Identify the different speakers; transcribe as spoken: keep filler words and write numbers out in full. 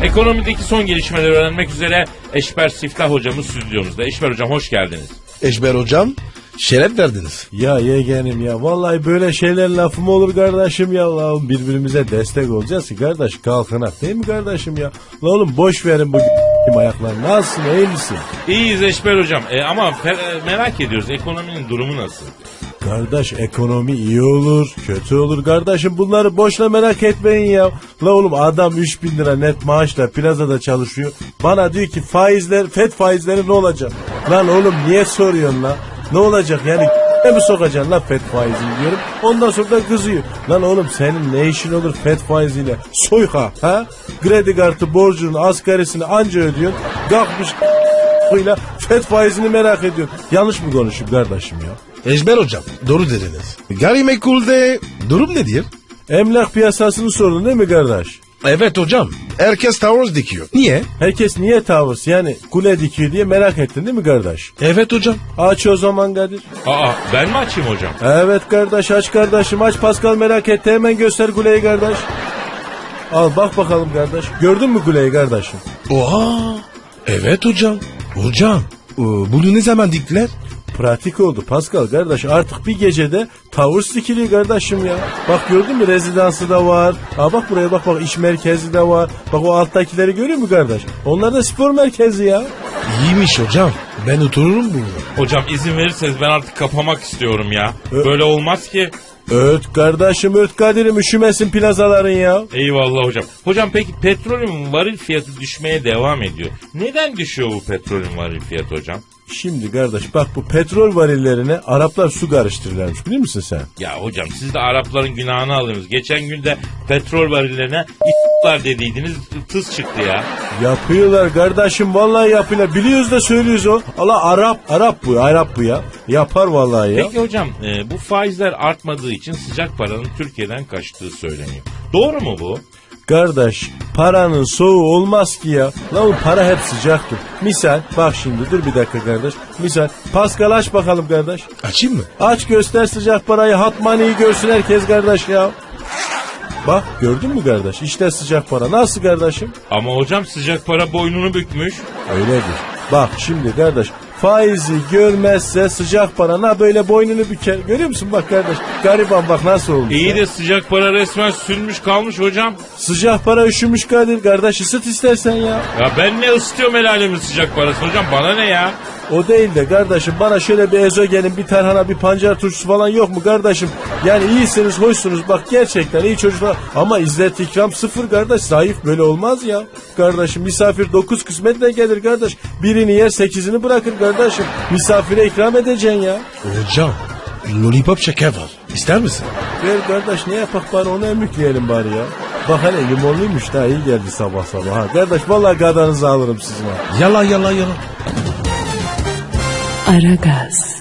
Speaker 1: Ekonomideki son gelişmeleri öğrenmek üzere Eşber Siftah hocamız stüdyomuzda. Eşber hocam hoş geldiniz.
Speaker 2: Eşber hocam şeref verdiniz.
Speaker 3: Ya yeğenim ya vallahi böyle şeyler lafı mı olur kardeşim ya, la birbirimize destek olacağız ki kardeş, kalkınak değil mi kardeşim ya? La oğlum boş verin bu ayaklar, nasılsın, iyi misin?
Speaker 1: İyiyiz Eşber hocam e, ama fe- merak ediyoruz ekonominin durumu nasıl?
Speaker 3: Kardeş ekonomi iyi olur kötü olur kardeşim, bunları boşuna merak etmeyin ya. La oğlum adam üç bin lira net maaşla plazada çalışıyor, bana diyor ki faizler FED faizleri ne olacak? Lan oğlum niye soruyorsun la? Ne olacak yani ne mi sokacaksın la FED faizini diyorum. Ondan sonra da kızıyor. Lan oğlum senin ne işin olur FED faiziyle? Soyka ha? Kredi kartı borcunun asgarisini anca ödüyorsun. Kalkmış ile FED faizini merak ediyorsun. Yanlış mı konuşuyorum kardeşim ya?
Speaker 2: Eşber hocam doğru dediniz. Gayrimenkulde durum nedir?
Speaker 3: Emlak piyasasını sordun değil mi kardeş?
Speaker 2: Evet hocam. Herkes tavır dikiyor. Niye?
Speaker 3: Herkes niye tavır yani kule dikiyor diye merak ettin değil mi kardeş?
Speaker 2: Evet hocam.
Speaker 3: Aç o zaman Kadir.
Speaker 1: Aa ben mi açayım hocam?
Speaker 3: Evet kardeş, aç kardeşim, aç. Pascal merak etti, hemen göster kuleyi kardeş. Al bak bakalım kardeş. Gördün mü kuleyi kardeşim?
Speaker 2: Oha. Evet hocam. Hocam e, bunu ne zaman diktiler?
Speaker 3: Pratik oldu Pascal kardeş, artık bir gecede tavır dikiliyor kardeşim ya. Bak gördün mü, rezidansı da var. Ha bak buraya bak bak, iş merkezi de var. Bak o alttakileri görüyor musun kardeş? Onlar da spor merkezi ya.
Speaker 2: İyiymiş hocam. Ben otururum burada.
Speaker 1: Hocam izin verirseniz ben artık kapamak istiyorum ya.
Speaker 3: Ö-
Speaker 1: Böyle olmaz ki.
Speaker 3: Öt kardeşim öt Kadir'im, üşümesin plazaların ya.
Speaker 1: Eyvallah hocam. Hocam peki petrolün varil fiyatı düşmeye devam ediyor. Neden düşüyor bu petrolün varil fiyatı hocam?
Speaker 3: Şimdi kardeş bak, bu petrol varillerine Araplar su karıştırırlarmış, biliyor musun sen?
Speaker 1: Ya hocam siz de Arapların günahını alıyorsunuz. Geçen günde petrol varillerine i**lar dediydiniz, tıs çıktı ya.
Speaker 3: Yapıyorlar kardeşim, vallahi yapıyorlar. Biliyoruz da söylüyoruz o. Allah Arap, Arap bu, Arap bu ya. Yapar vallahi ya.
Speaker 1: Peki hocam e, bu faizler artmadığı için sıcak paranın Türkiye'den kaçtığı söyleniyor. Doğru mu bu?
Speaker 3: Kardeş paranın soğuğu olmaz ki ya. Lan oğlum para hep sıcaktır. Misal bak şimdi, dur bir dakika kardeş. Misal Pascal aç bakalım kardeş.
Speaker 2: Açayım mı?
Speaker 3: Aç göster sıcak parayı, hot money'i görsün herkes kardeş ya. Bak gördün mü kardeş, işte sıcak para. Nasıl kardeşim?
Speaker 1: Ama hocam sıcak para boynunu bükmüş.
Speaker 3: Öyledir. Bak şimdi kardeş, faizi görmezse sıcak parana böyle boynunu büker. Görüyor musun bak kardeş, gariban bak nasıl olmuş.
Speaker 1: İyi
Speaker 3: ya.
Speaker 1: de sıcak para resmen sürmüş kalmış hocam.
Speaker 3: Sıcak para üşümüş Kadir kardeş, ısıt istersen ya.
Speaker 1: Ya ben ne ısıtıyorum el alemin sıcak parası hocam, bana ne ya?
Speaker 3: O değil de kardeşim, bana şöyle bir ezogelin, bir tarhana, bir pancar turşusu falan yok mu kardeşim? Yani iyisiniz, hoşsunuz, bak gerçekten iyi çocuklar ama izzet ikram sıfır kardeş, zayıf böyle olmaz ya. Kardeşim misafir dokuz kısmetle gelir kardeş, birini yer sekizini bırakır kardeşim, misafire ikram edeceksin ya.
Speaker 2: Hocam lollipop şeker var. İster misin?
Speaker 3: Ver kardeş, ne yapak bari onu emükleyelim bari ya. Bak hele limonluymuş da iyi geldi sabah sabah ha. Kardeş vallahi gadanızı alırım sizin ha.
Speaker 2: Yalan yalan yalan.
Speaker 4: Aragaz.